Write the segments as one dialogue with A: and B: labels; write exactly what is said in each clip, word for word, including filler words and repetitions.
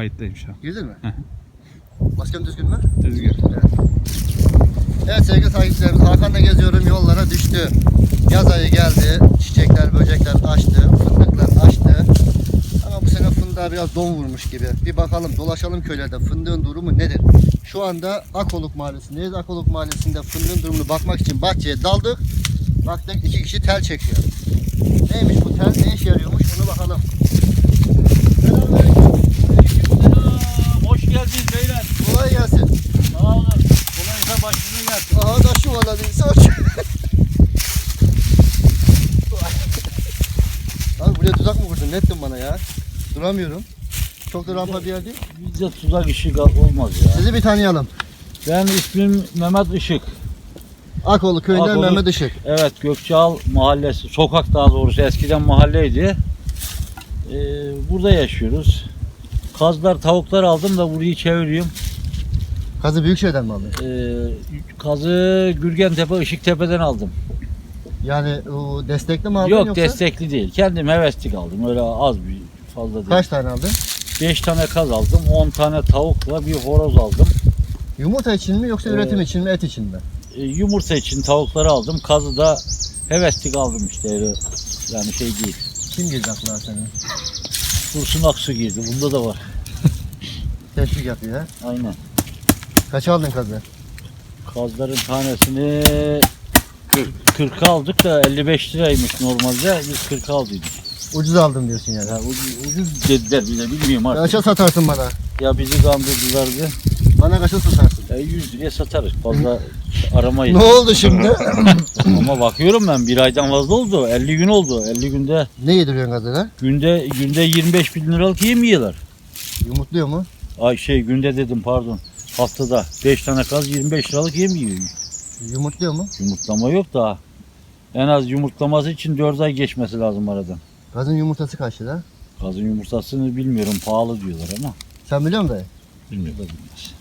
A: kayıttayım şu an.
B: Girdin mi?
A: Hı hı.
B: Maskem düzgün mü?
A: Düzgün.
B: Evet. Evet sevgili takipçilerimiz, Hakan'la geziyorum, yollara düştü. Yaz ayı geldi, çiçekler, böcekler açtı, fındıklar açtı. Ama bu sene fındığa biraz don vurmuş gibi. Bir bakalım, dolaşalım köylerde, fındığın durumu nedir? Şu anda Akoluk Mahallesi'ndeyiz. Akoluk Mahallesi'nde fındığın durumunu bakmak için bahçeye daldık. Baktık iki kişi tel çekiyor. Neymiş bu tel, ne işe yarıyormuş, onu bakalım.
C: Hoş geldiniz beyler.
B: Kolay gelsin.
C: Sağ olun. Kolaysa başınıza gelsin.
B: Aha da şu valla değilse Abi buraya tuzak mı kurdun? Ne ettin bana ya? Duramıyorum. Çok da rampa bir yer değil.
C: Bizde tuzak işi olmaz ya.
B: Sizi bir tanıyalım.
C: Ben ismim Mehmet Işık.
B: Akoğlu köyünden
C: Akoğlu-
B: Mehmet Işık.
C: Evet, Gökçeal mahallesi, sokak daha doğrusu eskiden mahalleydi. Ee, burada yaşıyoruz. Kazlar, tavuklar aldım da burayı çeviriyorum.
B: Kazı Büyükşehir'den mi aldın?
C: Ee, kazı Gürgentepe, Işıktepe'den aldım.
B: Yani o destekli mi aldın
C: Yok,
B: yoksa?
C: destekli değil. Kendim heveslik aldım. Öyle az bir fazla değil.
B: Kaç tane aldın?
C: beş tane kaz aldım, on tane tavukla bir horoz aldım.
B: Yumurta için mi yoksa
C: Ee,
B: üretim için mi, et için mi?
C: E, yumurta için tavukları aldım. Kazı da heveslik aldım işte. Öyle, yani şey değil.
B: Kim girdi aklına senin?
C: Dursun Aksu girdi. Bunda da var.
B: Teşvik yapıyor ha.
C: Aynen.
B: Kaç aldın kazı?
C: Kazların tanesini kırka aldık da elli beş liraymış normalde. Biz kırka aldıydık.
B: Ucuz aldım diyorsun yani.
C: Ya ucuz, ucuz dediler bize, bilmiyorum artık.
B: Kaça satarsın bana?
C: Ya bizi kandırdılardı.
B: Bana kaça satarsın?
C: E, yüz liraya satarız. Fazla aramayız.
B: Ne oldu şimdi?
C: Ama bakıyorum ben bir aydan fazla oldu. elli gün oldu. elli günde
B: Ne yediriyorsun kazılar?
C: günde günde yirmi beş bin liralık yem yiyorlar.
B: Yumurtluyor mu?
C: Ay şey günde dedim pardon. Haftada beş tane kaz yirmi beş liralık yem yiyor.
B: Yumurtluyor mu?
C: Yumurtlama yok daha. En az yumurtlaması için dört ay geçmesi lazım aradan.
B: Kazın yumurtası kaç lira?
C: Kazın yumurtasını bilmiyorum, pahalı diyorlar ama.
B: Sen biliyor musun dayı?
C: Bilmiyorum da bilmez.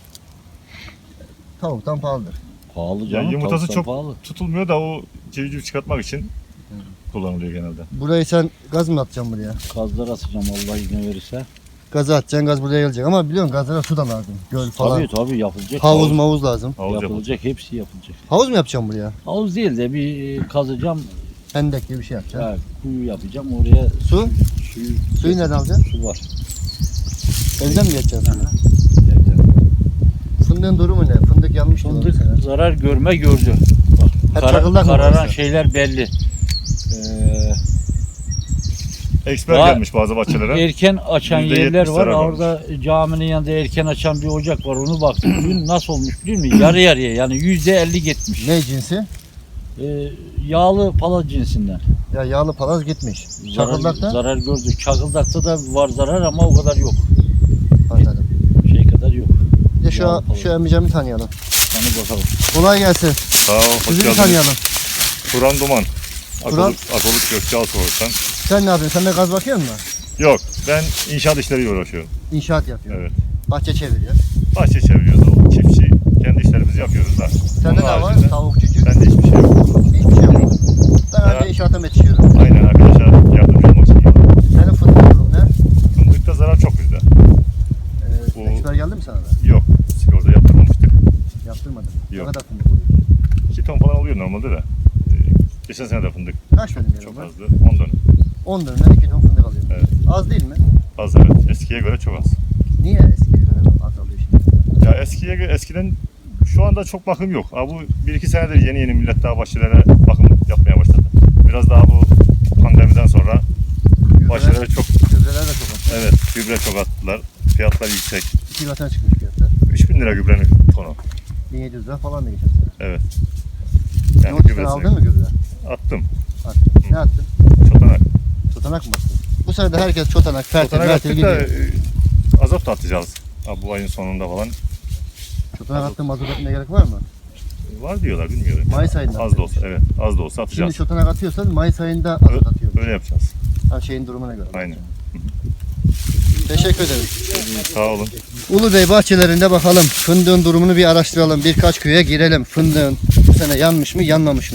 B: Tavuktan pahalıdır.
C: Pahalı
D: Ya
C: canım.
D: yumurtası
C: tavuktan
D: çok
C: pahalı.
D: tutulmuyor da o civciv çıkartmak için kullanılıyor genelde.
B: Burayı sen gaz mı atacaksın buraya?
C: Kazlar atacağım Allah izin verirse.
B: Gazı atacaksın, gaz buraya gelecek. Ama biliyorsun gazlara su da lazım. Göl falan.
C: Tabii tabii yapılacak.
B: Havuz
C: Havuz
B: mavuz lazım.
D: Havuz yapılacak.
C: yapılacak, hepsi yapılacak.
B: Havuz mu yapacaksın buraya?
C: Havuz değil de bir kazacağım,
B: Hendek gibi bir şey yapacaksın.
C: ya, kuyu yapacağım oraya.
B: Su?
C: Suyu,
B: Suyu nereden alacaksın?
C: su var.
B: Evden mi geçeceksin?
C: Aha.
B: Fındığın durumu ne? Fındık yanmış mı?
C: Fındık
B: mesela?
C: zarar görme gördü. Bak,
B: Hep
C: kara-
B: çakıldak mı
C: kararan
B: burası?
C: şeyler belli. Ee,
D: Eksper
C: Daha
D: gelmiş bazı bahçelere.
C: erken açan
D: yüzde
C: yerler
D: yetmiş
C: var.
D: zarar varmış.
C: Orada caminin yanında erken açan bir ocak var. Onu baktım. Dün nasıl olmuş biliyor musun? Yarı yarıya yani yüzde elli gitmiş.
B: Ne cinsi?
C: Ee, yağlı pala cinsinden.
B: Ya yağlı palaz gitmiş.
C: Zarar,
B: Çakıldakta?
C: zarar gördük. Çakıldakta da var zarar ama o kadar yok.
B: Anladım.
C: Şey kadar yok.
B: Bir de şu,
C: Yağlı palaz.
B: şu emicamı tanıyalım.
C: Hani bakalım.
B: Kolay gelsin.
D: Sağ ol, hoş
B: Sizi bir
D: geldiniz.
B: tanıyalım.
D: Turan Duman.
B: Turan?
D: Akoluk, Akoluk Gökçeal Soğuk'tan.
B: Sen ne yapıyorsun? Sen de gaz bakıyor musun?
D: Yok, ben inşaat işleriyle uğraşıyorum.
B: İnşaat yapıyorsun.
D: Evet.
B: Bahçe çeviriyor.
D: Bahçe çeviriyoruz, o çiftçi. Kendi işlerimizi yapıyoruz da.
B: Sende
D: Onun
B: ne var?
D: haricinde
B: Tavuk, cücük.
D: Bende hiçbir şey yok.
B: Hiçbir şey yok. Ben
D: Ya.
B: önce inşaata yetişiyorum.
D: Aynen arkadaşlar yardımcı olmak için geliyorum.
B: Senin fındığın durum ne?
D: Fındıkta zarar çok bizde.
B: Ee,
D: Bu-
B: Eksper geldi mi sana da?
D: Yok, sigorta yaptırmamıştık.
B: Yaptırmadım.
D: Yok.
B: Ne kadar fındık oluyor?
D: iki ton falan oluyor normalde de. Ee, Geçen sene de fındık
B: Kaç dönüm
D: çok
B: yerim var?
D: azdı. on dönüm.
B: on dönümden iki ton fındık alıyorum.
D: Evet.
B: Az değil mi?
D: Az evet. Eskiye göre çok az.
B: Niye eskiye göre az alıyor şimdi?
D: Ya eskiye göre eskiden şu anda çok bakım yok. Ha, bu bir iki senedir yeni yeni millet daha bahçelere bakım yapmaya başladı. Biraz daha bu pandemiden sonra bahçelere çok
B: Gübreler de çok az.
D: evet gübre çok attılar. Fiyatlar yüksek.
B: İki katına çıkmış fiyatlar.
D: üç bin lira gübrenin tonu.
B: bin yedi yüz lira falan da geçen sene.
D: Evet.
B: Ne
D: Yani
B: oldu sen
D: gübresini
B: aldın mı gübre?
D: attım.
B: Attın. Ne attın?
D: Çotanak.
B: Çotanak mı attın? Bu sene de herkes çotanak, fertil,
D: Çotanak
B: mertil
D: attık da
B: gidiyor.
D: e, azot da atacağız. Ha, bu ayın sonunda falan.
B: Çotanak attın, mazot atmaya gerek var mı?
D: Var diyorlar bilmiyorum.
B: Mayıs ayında
D: Az da olsa evet az da olsa atacağız.
B: Şimdi çotanak atıyorsan Mayıs ayında azot atıyorsun.
D: Öyle yapacağız.
B: Ha, şeyin durumuna göre.
D: Aynen.
B: Teşekkür ederim.
D: Sağ olun.
B: Ulu Bey bahçelerinde bakalım. Fındığın durumunu bir araştıralım. Birkaç köye girelim. Fındığın bu sene yanmış mı, yanmamış mı?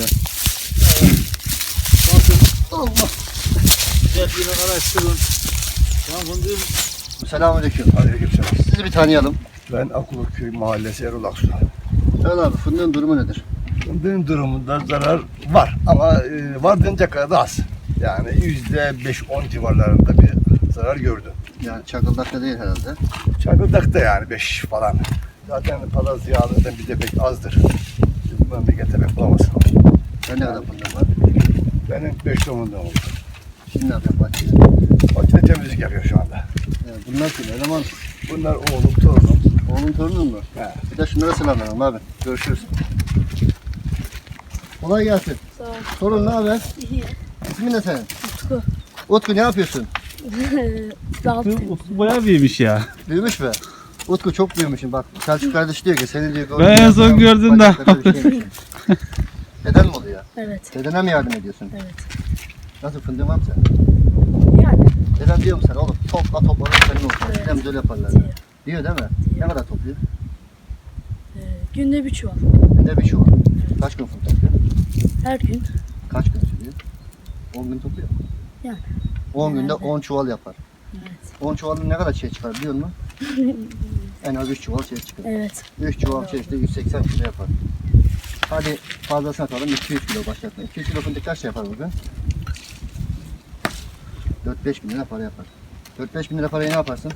B: Allah.
C: Güzel bir araştırın. Şu an fındığın
B: Selamünaleyküm.
A: Aleykümselam.
B: Sizi bir tanıyalım.
A: Ben Akulköy Mahallesi Erol Aksu.
B: Erol abi fındığın durumu nedir?
A: Fındığın durumunda zarar var ama e, var denecek kadar da az. Yani yüzde beş on civarlarında bir zarar gördü.
B: Yani çakıldakta değil herhalde.
A: Çakıldakta yani beş falan. Zaten palaz yağlarından bir de pek azdır. Bu memlekete pek bulamazsın.
B: Ben ne kadar fındığım var?
A: Benim beş tomundan oldu.
B: Şimdi ne yapayım bahçede?
A: Bahçede temizlik yapıyor şu anda.
B: Yani bunlar kim? Eleman.
A: Bunlar oğlum, torunum.
B: Oğlum torunun mu?
A: He.
B: Bir de şunlara selam verelim abi. Görüşürüz. Kolay gelsin.
E: Sağ ol.
B: Torun ne haber?
E: İyi.
B: İsmin ne senin?
E: Utku.
B: Utku ne yapıyorsun?
E: Dalton.
F: Bayağı büyümüş ya.
B: Büyümüş mü? Utku çok büyümüşsün bak. Selçuk kardeş diyor ki seni diyor.
F: Ben en son gördüm de.
B: Deden mi oluyor?
E: Evet.
B: Dedene mi yardım ediyorsun?
E: Evet.
B: Nasıl fındığın var mı sen?
E: Yani.
B: Deden diyor mu sana oğlum topla topla senin olsun.
E: Evet.
B: Hem öyle yaparlar.
E: Diyor.
B: Diyor değil mi? Ne kadar topluyor?
E: Ee, günde bir çuval.
B: Günde bir çuval. Kaç gün fındık topluyor?
E: Her gün.
B: Kaç gün sürüyor? on gün topluyor.
E: Yani.
B: on günde
E: Herhalde.
B: on çuval yapar.
E: Evet.
B: on çuvalın ne kadar şey çıkar biliyor musun? En az üç çuval şey çıkar.
E: Evet.
B: üç çuval şey işte yüz seksen kilo yapar. Hadi fazlasını atalım iki yüz kilo başlatma. iki yüz kilo fındık kaç şey yapar bugün? dört beş bin lira para yapar. dört beş bin lira parayı ne yaparsın?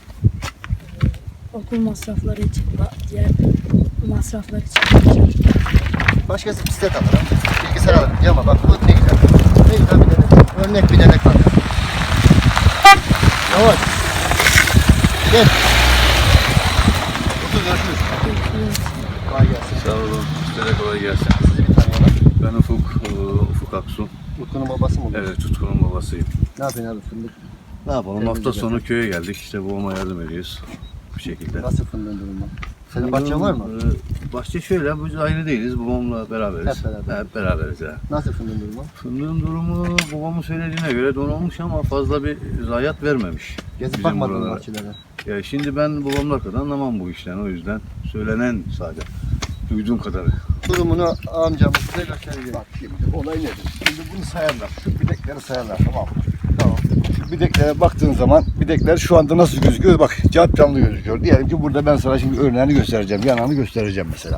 E: Okul masrafları için, ba- diğer masraflar için.
B: Başkası bisiklet alır. ha. Bilgisayar alır. Ya ama bak bu ne güzel. Ne güzel bir denek. Örnek bir denek var. Yavaş. Gel. Otur görüşürüz. Kolay gelsin.
G: Sağ olun. Size de kolay gelsin.
B: Sizi bir tanıyalım.
G: Ben Ufuk, e, Ufuk Aksu.
B: Utku'nun babası mı olur?
G: Evet, Tutkun'un babasıyım.
B: Ne yapıyorsun abi fındık?
G: Ne yapalım?
B: Temizlik
G: Hafta sonu köye geldik. İşte babama yardım ediyoruz. Bu şekilde.
B: Nasıl fındığın durumu? Senin bahçen var mı?
G: E, bahçe şöyle, biz ayrı değiliz. Babamla beraberiz.
B: Hep beraber.
G: Hep beraberiz ya.
B: Nasıl fındığın durumu?
G: Fındığın durumu babamın söylediğine göre don olmuş ama fazla bir zayiat vermemiş.
B: Gezip
G: Bizim
B: bakmadın mı
G: buralara.
B: bahçelere?
G: Ya şimdi ben babamla kadar anlamam bu işten. O yüzden söylenen sadece. Duyduğum kadarı.
B: Durumunu amcamız size gösteriyor.
A: Bak şimdi olay nedir? Şimdi bunu sayarlar. Şu bidekleri sayarlar, tamam mı? Tamam. Şu bideklere baktığın zaman bidekler şu anda nasıl gözüküyor? Bak cap canlı gözüküyor. Diyelim ki burada ben sana şimdi örneğini göstereceğim. Yanağını göstereceğim mesela.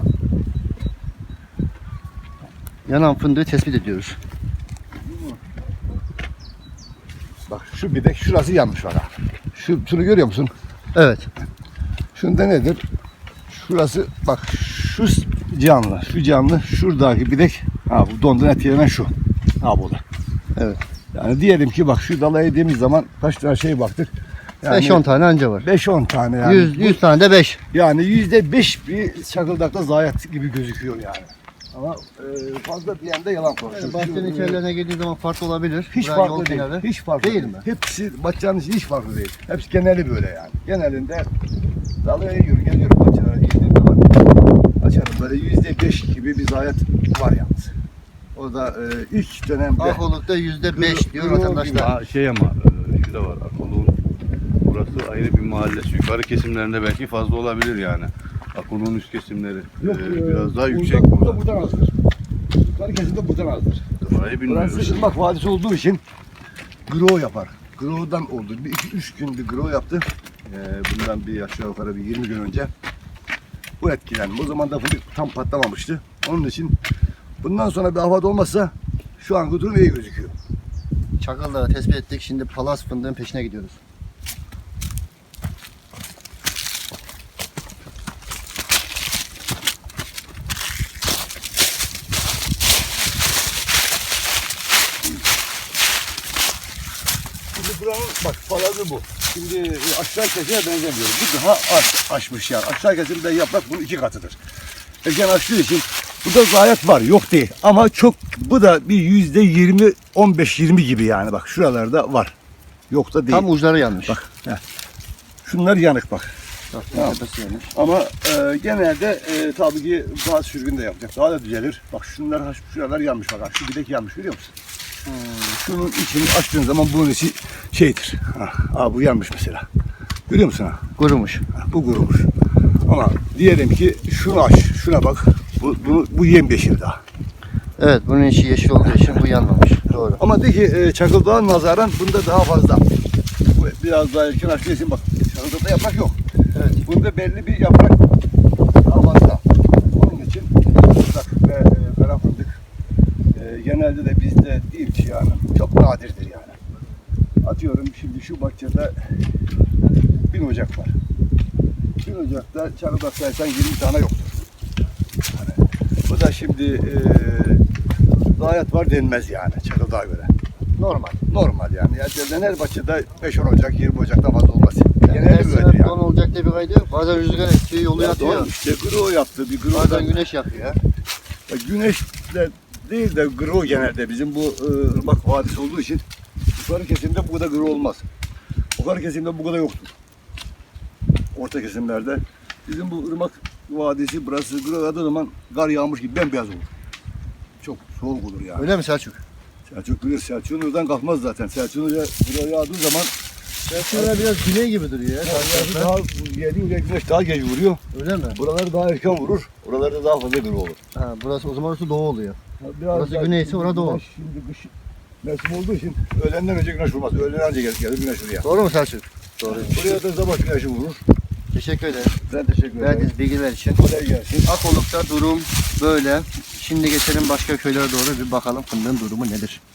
B: Yanan fındığı tespit ediyoruz.
A: Bak şu bidek şurası yanmış bana. Şu, şunu görüyor musun?
B: Evet.
A: Şunda nedir? Şurası bak şu canlı, şu canlı, şuradaki bidek. Ha bu dondan etkilenen şu. Ha bu da.
B: Evet.
A: Yani diyelim ki bak şu dala yediğimiz zaman kaç tane şey baktık. Yani
B: beş on tane anca var.
A: beş on tane yani.
B: yüz,
A: Bu-
B: yüz tane de beş.
A: Yani yüzde beş bir çakıldakta zayiat gibi gözüküyor yani. Ama e, fazla bir yanda yalan konuşuyor.
B: Yani bahçenin
A: Şu,
B: içerilerine girdiği zaman farklı olabilir.
A: hiç
B: Buraya yol
A: farklı değil.
B: kenarı.
A: Hiç farklı
B: Değil
A: değil.
B: mi?
A: Hepsi bahçenin içi hiç farklı değil. Hepsi geneli böyle yani. Genelinde dalıya yürü geliyorum bahçelere girdiğim zaman açarım böyle yüzde beş gibi bir zayiat var yalnız. O da e, ilk dönemde
B: Akoluk'ta yüzde beş diyor
A: Gro-
B: vatandaşlar.
G: Ha, şey ama e, şu da var. Akoluk'un burası ayrı bir mahallesi. Yukarı kesimlerinde belki fazla olabilir yani. Akoluk'un üst kesimleri
A: yok,
G: e,
A: e,
G: biraz daha yüksek
A: burada,
G: burada.
A: buradan azdır. Yukarı kesimde buradan azdır.
G: Orayı bilmiyoruz.
A: Burası ırmak vadisi olduğu için grow yapar. Grow'dan oldu. Bir iki üç gün bir grow yaptı. Ee, bundan bir aşağı yukarı bir yirmi gün önce. Bu etkilendi. O zaman da fındık tam patlamamıştı. Onun için bundan sonra bir afat olmazsa şu an durum iyi gözüküyor.
B: Çakıldağı tespit ettik. Şimdi palas fındığın peşine gidiyoruz.
A: Şimdi buranın bak falazı bu. Şimdi e, aşağı kesime benzemiyor. Bu daha aş, aşmış yani. Aşağı kesimde yaprak bunun iki katıdır. Erken açtığı için burada zayiat var, yok değil. Ama çok, bu da bir yüzde yirmi, on beş yirmi gibi yani bak şuralarda var. Yok da değil.
B: Tam uçları yanmış.
A: Bak, heh. Şunlar yanık bak.
B: Bak,
A: Tamam.
B: tepesi yanmış.
A: Ama e, genelde e, tabii ki bazı sürgün de yapacak. Daha da düzelir. Bak şunlar, şuralar yanmış bak. Şu bilek yanmış görüyor musun?
B: Hmm.
A: Şunun içini açtığın zaman bunun içi şeydir. Ha, ha, bu yanmış mesela. Görüyor musun ha?
B: Kurumuş.
A: Ha, bu kurumuş. Ama diyelim ki şunu aç, şuna bak. Bu, bu, bu yemyeşil daha.
B: Evet bunun içi yeşil olduğu için bu yanmamış. Doğru.
A: Ama de ki e, Çakıldağ'a nazaran bunda daha fazla. Bu biraz daha erken açtığı için bak Çalıda yaprak yok.
B: Evet.
A: Bunda belli bir yaprak daha fazla. Onun için fıstık ve e, kara fındık e, genelde de bizde değil ki yani. Çok nadirdir yani. Atıyorum şimdi şu bahçede bin ocak var. Bin ocakta çalıda saysan yirmi tane yoktur. Yani, bu da şimdi e, zayiat var denmez yani Çakıldağ'a göre.
B: Normal.
A: Normal yani. Yani her bahçede beş on ocak, yirmi ocaktan fazla olmaz.
B: Yani
A: Genelde
B: her
A: böyledir
B: sene
A: yani.
B: don olacak diye bir kaydı yok. Bazen rüzgar esiyor, yolu
A: Ya
B: yatıyor.
A: doğru, işte gro yaptı. Bir gro
B: Bazen güneş yapıyor.
A: Ya güneş de değil de gro genelde bizim bu e, ırmak vadisi olduğu için yukarı kesimde bu kadar gro olmaz. Yukarı kesimde bu kadar yoktur. Orta kesimlerde bizim bu ırmak vadisi burası gro yağdığı zaman kar yağmış gibi bembeyaz olur. Çok soğuk olur yani.
B: Öyle mi Selçuk?
A: Selçuk bilir, Selçuk'un oradan kalkmaz zaten. Selçuk'un oraya gro yağdığı zaman
B: Selçuk'un biraz güney gibi duruyor ya.
A: ya, daha yedi oraya güneş daha geç vuruyor.
B: Öyle mi?
A: Buraları daha erken vurur. Oralarda daha fazla gro olur.
B: Ha, burası o zaman orası doğu oluyor.
A: Biraz
B: Burası
A: daha-
B: güneyse orada doğu.
A: Güneş Şimdi kış mevsim olduğu için öğlenden önce güneş vurmaz. Öğlen önce gelir, gelir güneş oraya.
B: Doğru mu Selçuk? Doğru.
A: Buraya da sabah güneşi vurur.
B: Teşekkür ederim.
A: Ben teşekkür ederim.
B: Verdiğiniz bilgiler için.
A: Kolay gelsin.
B: Akoluk'ta durum böyle. Şimdi geçelim başka köylere doğru bir bakalım fındığın durumu nedir?